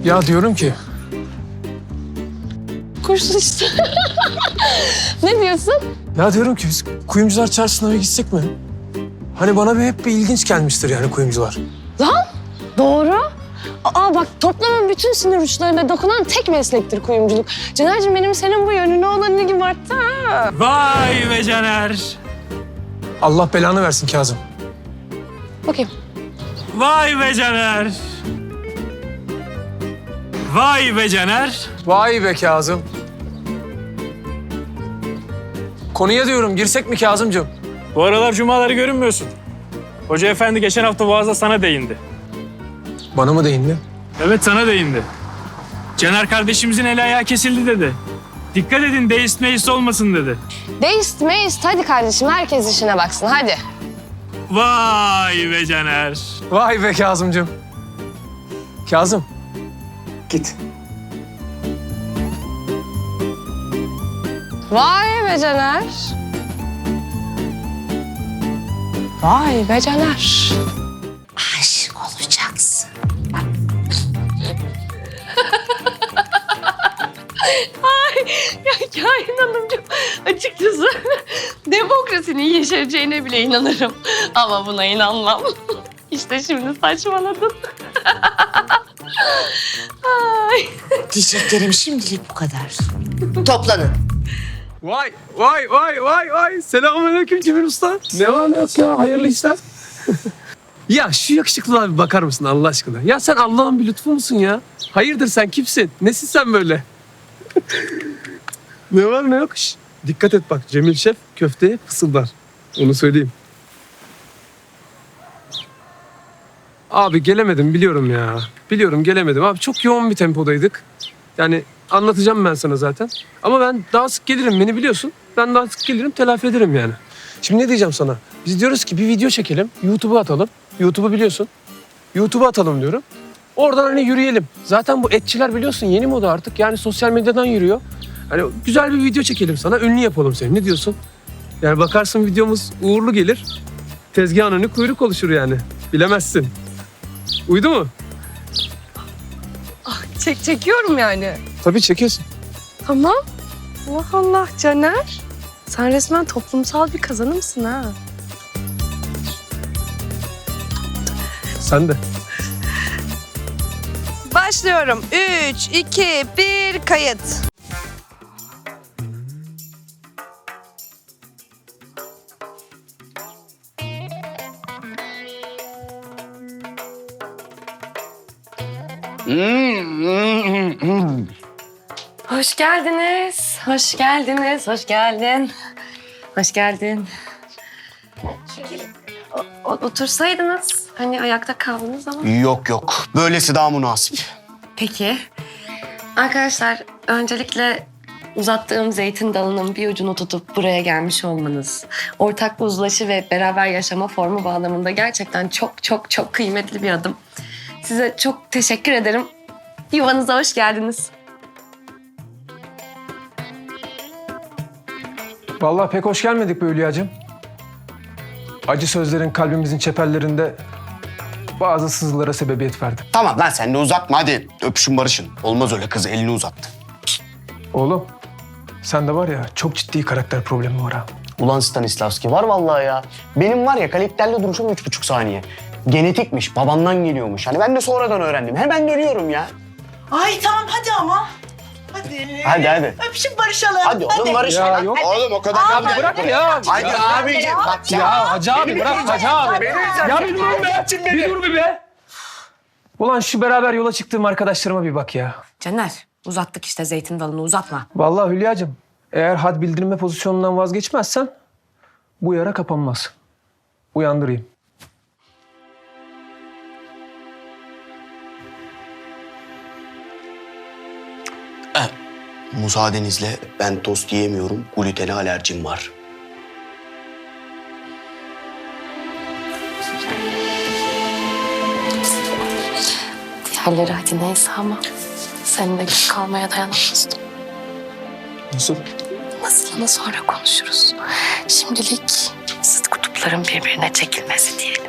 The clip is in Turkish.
Ya diyorum ki Kurşun işte. Ne diyorsun? Ya diyorum ki biz kuyumcular çarşısına bir gitsek mi? Hani bana hep bir ilginç gelmiştir yani kuyumcular. Lan doğru. Aa bak toplamın bütün sinir uçlarına dokunan tek meslektir kuyumculuk. Caner'cim benim senin bu yönüne olan ilgim arttı ha. Vay be Caner. Allah belanı versin Kazım. Bakayım. Vay be Caner. Vay be Caner. Vay be Kazım. Konuya diyorum girsek mi Kazımcığım? Bu aralar cumaları görünmüyorsun. Hoca efendi geçen hafta vaazda sana değindi. Bana mı değindi? Evet sana değindi. Caner kardeşimizin eli ayağı kesildi dedi. Dikkat edin deist meist olmasın dedi. Deist meist hadi kardeşim herkes işine baksın hadi. Vay be Caner. Vay be Kazımcığım. Kazım. Git. Vay be Caner. Vay be Caner. Aşık olacaksın. Ya Kain Hanımcığım açıkçası demokrasinin yeşereceğine bile inanırım. Ama buna inanmam. İşte şimdi saçmaladın. Ay. Diyeceklerim şimdilik bu kadar. Toplanın. Vay vay vay vay vay. Selamünaleyküm Cemil Usta. Ne var ne yok ya hayırlı işler. Ya şu yakışıklılığa bir bakar mısın Allah aşkına? Ya sen Allah'ın bir lütfu musun ya? Hayırdır sen kimsin? Nesin sen böyle? Ne var ne yok? Şş, dikkat et bak Cemil Şef köfteye fısıldar. Onu söyleyeyim. Abi gelemedim biliyorum ya. Biliyorum gelemedim abi. Çok yoğun bir tempodaydık. Yani anlatacağım ben sana zaten. Ama ben daha sık gelirim beni biliyorsun. Ben daha sık gelirim telafi ederim yani. Şimdi ne diyeceğim sana? Biz diyoruz ki bir video çekelim. YouTube'a atalım. YouTube'u biliyorsun. YouTube'a atalım diyorum. Oradan hani yürüyelim. Zaten bu etçiler biliyorsun yeni moda artık. Yani sosyal medyadan yürüyor. Hani güzel bir video çekelim sana. Ünlü yapalım seni. Ne diyorsun? Yani bakarsın videomuz uğurlu gelir. Tezgahın önü kuyruk oluşur yani. Bilemezsin. Uydu mu? Çekiyorum yani. Tabii çekiyorsun. Tamam. Allah Allah Caner. Sen resmen toplumsal bir kazanımsın ha. Sen de. Başlıyorum. 3, 2, 1, kayıt. Hoş geldiniz. Hoş geldiniz. Hoş geldin. Hoş geldin. Otursaydınız. Hani ayakta kaldınız ama. Yok yok. Böylesi daha münasip. Peki. Arkadaşlar öncelikle uzattığım zeytin dalının bir ucunu tutup buraya gelmiş olmanız, ortak bir uzlaşı ve beraber yaşama formu bağlamında gerçekten çok çok çok kıymetli bir adım. Size çok teşekkür ederim. Yuvanıza hoş geldiniz. Vallahi pek hoş gelmedik be Hülya'cığım. Acı sözlerin kalbimizin çeperlerinde bazı sızılara sebebiyet verdi. Tamam lan sen de uzatma hadi. Öpüşün barışın. Olmaz öyle kız elini uzattı. Oğlum sende var ya çok ciddi karakter problemi var ha. Ulan Stanislavski var vallahi ya. Benim var ya kalikterle duruşum 3,5 saniye. Genetikmiş, babamdan geliyormuş. Hani ben de sonradan öğrendim. Hemen dönüyorum ya. Ay tamam hadi ama. Hadi. Hadi. Öpüşüp barışalım. Hadi oğlum barış. Ya yok. Oğlum o kadar. Abi bırak ya. Hadi abiciğim. Bak Ya Hacı abi bırak Hacı abi. Ya bir dur be. Bir dur be. Ulan şu beraber yola çıktığım arkadaşlarıma bir bak ya. Caner, uzattık işte zeytin dalını uzatma. Vallahi Hülya'cığım eğer had bildirme pozisyonundan vazgeçmezsen bu yara kapanmaz. Uyandırayım. Müsaadenizle ben tost yiyemiyorum. Glutene alerjim var. Diğerleri hadi neyse ama seninle geç kalmaya dayanamazdım. Nasıl? Nasılını sonra konuşuruz. Şimdilik zıt kutupların birbirine çekilmesi diyelim.